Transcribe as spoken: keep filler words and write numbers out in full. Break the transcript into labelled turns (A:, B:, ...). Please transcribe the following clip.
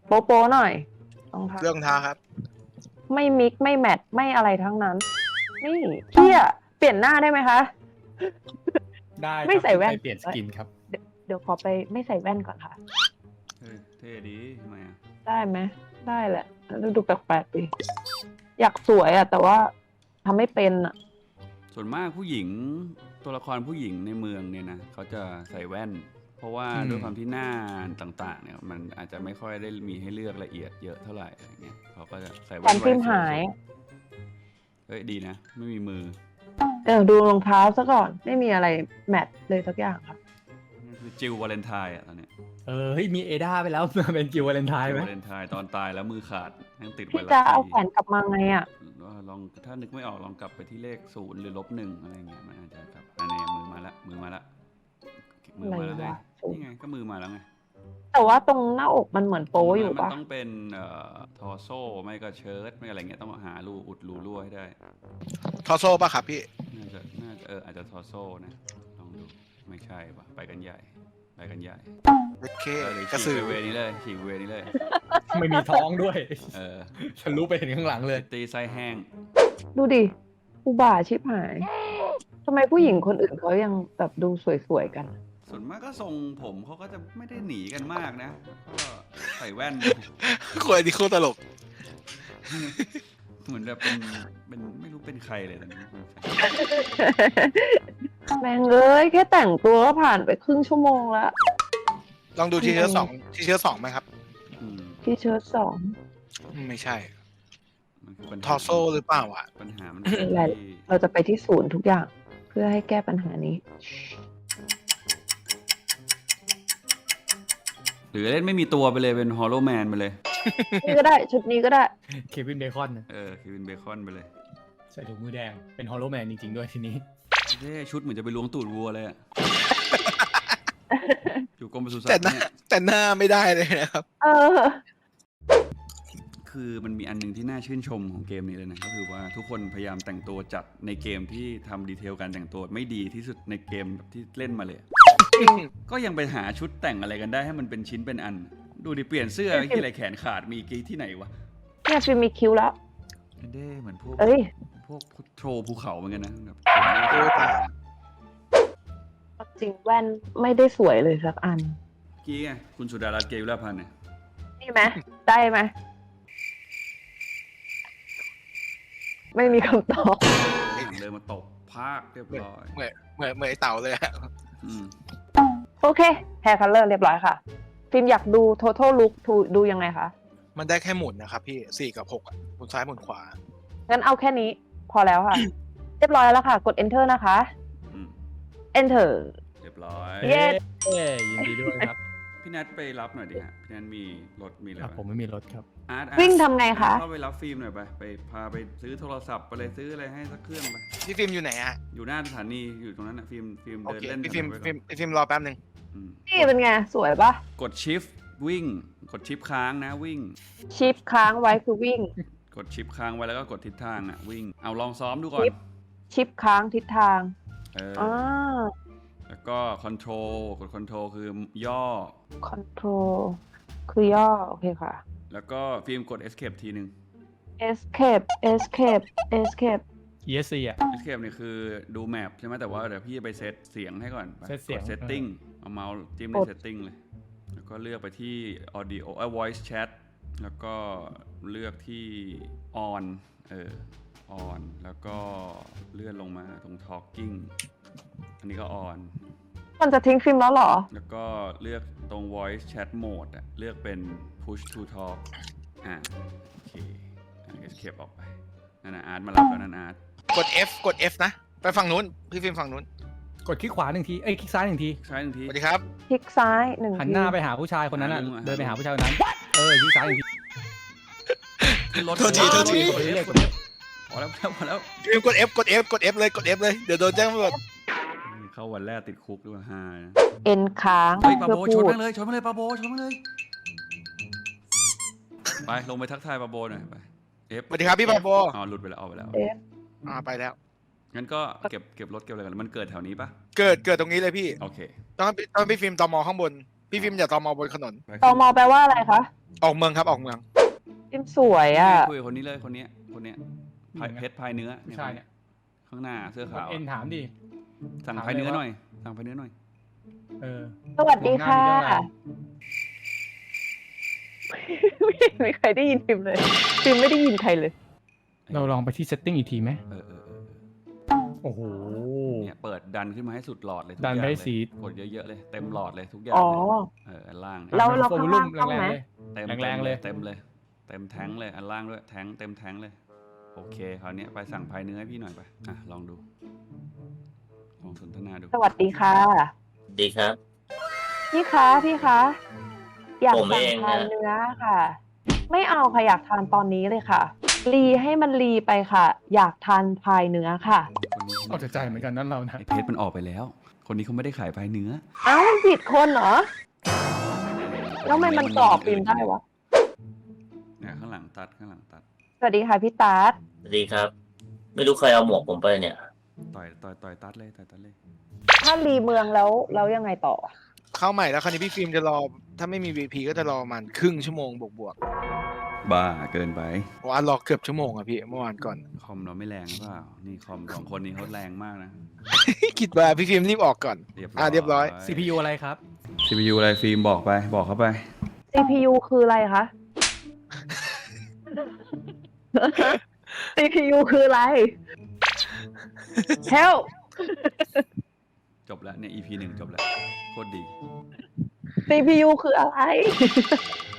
A: โป๊ะโป๊ะหน่อยรองเท้า
B: เรื่องเท้าครับ
A: ไม่มิกไม่แมทไม่อะไรทั้งนั้น นี่เที่ยเปลี่ยนหน้าได้ไหมคะ
C: ได้ครับ
A: ไม่ใส่แว่น
C: ไปเปลี่ยนสกินครับ
A: เดี๋ยวเดี๋ยวขอไปไม่ใส่แว่นก่อนค่ะ
D: เฮ้ยเท่ดีทำไมอ่ะ
A: ได้ไหมได้แหละแล้วดูแปลกๆดิอยากสวยอะแต่ว่าทำไม่เป็นอะ
D: ส่วนมากผู้หญิงตัวละครผู้หญิงในเมืองเนี่ยนะเขาจะใส่แว่น เพราะว่า
C: อืม
D: ด้วยความที่หน้าต่างๆเนี่ยมันอาจจะไม่ค่อยได้มีให้เลือกละเอียดเยอะเท่าไหร่อะไรเงี้ยเขาก็จะใส่
A: แฟ
D: แว่
A: น
D: น
A: ฟิล์ม
D: ไว้สว
A: หาย
D: ๆเฮ้ยดีนะ ไม่มีมือ
A: เดี๋ยวดูรองเท้าซะก่อนไม่มีอะไรแมทเลยสักอย่างค่ะ
D: นี่คือจิลวาเลนไทน์อ่ะตอนเนี้ย
C: เออเฮ้ยมีเอดาไปแล้ว มาเป็นจิววาเลนไทน์
D: จิล
C: ไหม
D: วาเลนไทน์ตอนตายแล้วมือขาดยังติดไว
A: พี่
D: รัส
A: จะเอา
D: ดี
A: แขนกลับมาไงอะ
D: ว่าลองถ้านึกไม่ออกลองกลับไปที่เลขศูนย์หรือลบหนึ่งอะไรเงี้ยมันอาจจะกลับอันนี้มือมาละมือมาละมือ
A: อะไร
D: มาแล้วไง
A: วะ
D: นี่ไงก็มือมาแล้วไง
A: แต่ว่าตรงหน้าอกมันเหมือนโป๊อยู่
D: มัน
A: ปะ
D: ต้องเป็นเอ่อทอโซ่ไม่ก็เชิ้ตไม่อะไรเงี้ยต้องหารูอุดรูรั่วให้ได้
B: ทอโซ่ป่ะครับพี่
D: น่าจะน่าจะเอออาจจะทอโซ่นะลองดูไม่ใช่ปะไปกันใหญ่ไปกันใหญ่
B: โอเค
D: เออหรือก
B: ระ
D: ฉี
B: สื
D: ก
B: อ
D: ไปเวนี้เลยฉีกเวนี้เลย
C: ไม่มีท้องด้วย
D: เออ
C: ฉันรู้ไปเห็นข้างหลังเลย
D: ตีไส้แห้ง
A: ดูดิอุบาทชิบหายทำไมผู้หญิงคนอื่นเขายังแบบดูสวยๆกัน
D: ส่วนมากก็ทรงผมเขาก็จะไม่ได้หนีกันมากนะก็ใส่แว่น
B: คนอันนี้โคตรตลก
D: เหมือนแบบเป็นเป็นไม่รู้เป็นใครเลยตอนนี้
A: แม่งเอ้ยแค่แต่งตัวก็ผ่านไปครึ่งชั่วโมงแล้ว
B: ลองดูทีเชื้อสองทีเชื้อสองไหมครับ
D: อืม
A: ที่เชิ้ตสอง
B: ไม่ใช่
D: มันคือปัญหา
B: ทอโซ่หรือเปล่าอ่ะ
D: ปัญหามันคือ
A: อะไร
D: ที่
A: เราจะไปที่ศูนย์ทุกอย่าง เพื่อให้แก้ปัญหานี้
D: หรือเล่นไม่มีตัวไปเลยเป็นฮอลโลแมนไปเลย
A: นี่ก็ได้ชุดนี้ก็ได้
C: เควินเบคอนนะ
D: เออคือเป็นเบคอนไปเลย
C: ใส่ถุงมือแดง เป็นฮอลโลแมนจริงๆด้วยทีนี้
D: เท่ชุดเหมือนจะไปล้วงตูดวัวเลยอะ อยู่กรมปศุสัต
B: แต่
D: ว์
B: หน้า
D: เนี่ย
B: แต่หน้าไม่ได้เลยนะครับ
A: เออ
D: คือมันมีอันหนึงที่น่าชื่นชมของเกมนี้เลยนะก็คือว่าทุกคนพยายามแต่งตัวจัดในเกมที่ทำดีเทลการแต่งตัวไม่ดีที่สุดในเกมที่เล่นมาเลย ก็ยังไปหาชุดแต่งอะไรกันได้ให้มันเป็นชิ้นเป็นอัน ดูดิเปลี่ยนเสื้อไอ้ที่อะไรแขนขาดมีกี่ที่ไหนวะ
A: เนี่ยฟิล์มมีคิ้วแล้ว
D: เด้เหมือนพวก
A: เอ้ย
D: พวกโทรภูเขาเหมือนกันนะแบบ
B: โอ้ตาย
A: จริงแว่นไม่ได้สวยเลยสักอัน
D: กี้ไงคุณสุดารัตน์เกยุราพันธ์เนี่ย
A: นี่ไหมได้ไหม ไม่มีคำตอบ
D: เดินมาตบพากเรียบร้อย
B: เหมือนเหมือนเหมือนไอ้เต่าเลยอะ
D: อืม
A: โอเค hair color เรียบร้อยค่ะ ฟิล์มอยากดู total look ดูยังไงคะ
B: มันได้แค่หมุนนะครับพี่สี่กับหกอ่ะหมุนซ้ายหมุนขวา
A: งั้นเอาแค่นี้พอแล้วค่ะ เรียบร้อยแล้วค่ะ กด enter นะคะ
D: อืม
A: enter
D: เรียบร้อย
A: เย้
C: เย้ยินดีด้วยครับ
D: พี่นัทไปรับหน่อยดิฮะพี่นัทมีรถมีอะไร
C: อ่ะ
D: ไหม
C: ผมไม่มีรถครับ
D: อาร์ตอาร์ต
A: วิ่งทำไงคะ
D: เข้าไปรับฟิล์มหน่อยไปไปพาไปซื้อโทรศัพท์ไปเลยซื้ออะไรให้สักเครื่องไป
B: พี่ฟิล์มอยู่ไหนอะ
D: อยู่หน้าสถานีอยู่ตรงนั้นนะฟิล์มฟิล์ม
B: โอ
D: เดิน
B: เค
D: เล่น
B: พี่ฟิล์ม
D: ถนน
B: ฟิ
D: ไว้
B: ล์ม
D: ก่อน
B: พี่ฟิล์มรอแป๊บหนึ่ง
D: อืม
A: นี่เป็นไง สวยปะ
D: กดชิฟวิ่ง กดชิปค้างนะวิ่ง
A: ชิปค้างไว้คือวิ่ง
D: กดชิปค้างไว้แล้วก็กดทิศทางอ่ะวิ่งเอาลองซ้อมดูก่อน
A: ชิป ชิปค้างทิศทาง
D: เออ
A: อ่า
D: แล้วก็คอนโทรลกดคอนโทรลคือย่อ
A: control คือย่อ โอเคค่ะ
D: แล้วก็ฟิล์มกด escape ทีนึง
A: escape escape escape
C: อี เอส ซี อ่ะ
D: escape เนี่ยคือดูแมปใช่ไหมแต่ว่าเดี๋ยวพี่ไปเซตเสียงให้ก่อนไป
C: เซตเสียง
D: กด setting เอาเมาส์จิ้มใน setting เลย แล้วก็เลือกไปที่ audio เอ่อ voice chat แล้วก็เลือกที่ on เออ on แล้วก็เลื่อนลงมาตรง talking อันนี้ก็ on
A: มันจะทิ้งฟิล์มแล้วเหรอ
D: แล้วก็เลือกตรง voice chat mode อะเลือกเป็น push to talk อ่าโอเคอันนี้ escape ออกไปนั่นนะอาร์ตมารับแล้วนั่นอาร์ต
B: กด F กด F นะ ไปฝั่งนู้น พี่ฟิล์มฝั่งนู้น
C: กดคลิกขวาหนึ่งที เอ้ยคลิกซ้ายหนึ่งที
D: ใช้หนึ่งที
B: สวัสดีครับ
A: คลิกซ้ายหนึ่ง
C: หัน
A: ที
C: หน้าไปหาผู้ชายคนนั้นอ่ะ
D: หาลุงอะ
C: เดินไปหาผู้ชายคนนั้น เออคลิกซ้ายหนึ่งที
D: ขึ้นรถ
B: โทษทีโทษที
C: กดเรื่อยๆกดเรื่อย
D: พอแล้วพอแล้วพอแล้ว
B: พี่ฟิล์มกด F กด F กด F เลยกด F เลยเดี๋ยวโดนแจ้งตำรวจ
D: เข้าวันแรกติดคุกด้วยฮา
A: เอ็นค้าง
D: เฮ้ยปา
A: เพื่อ
D: โบ
A: พู
D: ชน
A: ด
D: มาเลยชนมาเลยปาโบชนมาเลยไปลงไปทักทายปาโบหน่อยไปเอฟ
B: สวัสดีครับพี่ปาโบ
D: อ๋อหลุดไปแล้วออกไปแล้ว
A: เอฟ
B: อ่าไปแล้ว
D: งั้นก็เก็บเก็บรถเก็บอะไรกันมันเกิดแถวนี้ปะ
B: เกิดเกิดตรงนี้เลยพี่
D: โอเค
B: ต้องต้องพี่ฟิล์มตอมอข้างบน พี่ฟิล์มอย่าตอมอบนถนน
D: ไป
A: ตมแปลว่าอะไรคะ
B: ออกเมืองครับออกเมือง
A: ฟิล์มสวยอ่ะ
D: คุยกับคนนี้เลยคนเนี้ยคนเนี้ยพายเพชรพายเนื้อ
C: ผู้ชายเนี่ย
D: ข้างหน้าเสื้อก
C: ด
D: ขาว
C: เอ็นถามดิ
D: สั่ง
C: ถาม
D: พายเนื้อ
C: เลยว่า
D: หน่อยสั่งพายเนื้อหน่อย
C: เออ
A: สวัสดีค่ะ
C: มองหน้ามีเรื่องอะไร
A: ไม่มีใครได้ยินฟิล์มเลยฟิล์มไม่ได้ยินใครเลย
C: เราลองไปที่ setting อีกทีไหม
D: เออเออเออ
C: โอ้โห
D: เนี่ยเปิดดันขึ้นมาให้สุดหลอดเลยทุก
C: ดัน
D: อย่าง
C: ไป
D: เลย
C: สี
D: กดเยอะๆเลยเต็มหลอดเลยทุกอย่าง
A: อ๋อ
D: เลยเอออันล่าง
A: เราเรา
C: โฟ
A: ข้าง
C: ลุ่
A: ล่าม งต้อง
C: แรง
A: ไหม
C: ๆเลย
D: เต็ม
C: แรงๆเลย
D: เต็มเลยเต็มแท้งเลยอันล่างด้วยแท้งเต็มแท้งเลยโอเคคราวเนี้ยไปสั่งพายเนื้อให้พี่หน่อยไปอ่ะลองดูลองสนทนาดู
A: สวัสดีค่ะ
E: ดีครับ
A: พี่คะพี่คะอยาก
E: ผม
A: สั่ง
E: เอง
A: ทาน
E: นะ
A: เนื้อค่ะ ไม่เอาค่ะอยากทานตอนนี้เลยค่ะ รีให้มันรีไปค่ะ อยากทานพายเนื้อค่ะ
D: คนนี้
C: เอาแต่ใจเหมือนกันนั่นเรานะ
D: ไอเพชรมันออกไปแล้ว คนนี้เขาไม่ได้ขายพายเนื้อ
A: เอ้ามันผิดคนเหรอ แล้วทำไมมันกรอบฟิล์มได้วะ
D: เนี่ยข้างหลังตัดข้างหลังตัด
A: สวัสดีค่ะพี่ตาร์ท
E: สวัสดีครับ ไม่รู้ใครเอาหมวกผมไปเนี่ย
D: ต่อยต่อยต่อยตัดเลยต่อยตัดเลย
A: ถ้ารีเมืองแล้วแล้วยังไงต่อ
B: เข้าใหม่แล้วคราวนี้พี่ฟิล์มจะรอถ้าไม่มี วี พี ก็จะรอประมันครึ่งชั่วโมงบวก
D: บ้าเกินไป
B: ๆเพราะว่ารอเกือบชั่วโมงอะพี่เมื่อวานก่อน
D: คอมเราไม่แรงหรือเปล่านี่คอมสองคนนี้เขาแรงมากนะ
B: คิดว่าพี่ฟิล์มรีบออกก่อน
D: เรียบร้อย
B: อ่ะเรียบร้อย
C: ซี พี ยู อะไรครับ
D: ซี พี ยู อะไรฟิล์มบอกไปบอกเขาไป
A: ซี พี ยู คืออะไรคะ ซี พี ยู คืออะไร Help
D: จบแล้วเนี่ย อี พี หนึ่งจบแล้วโคตรดี
A: ซี พี ยู คืออะไร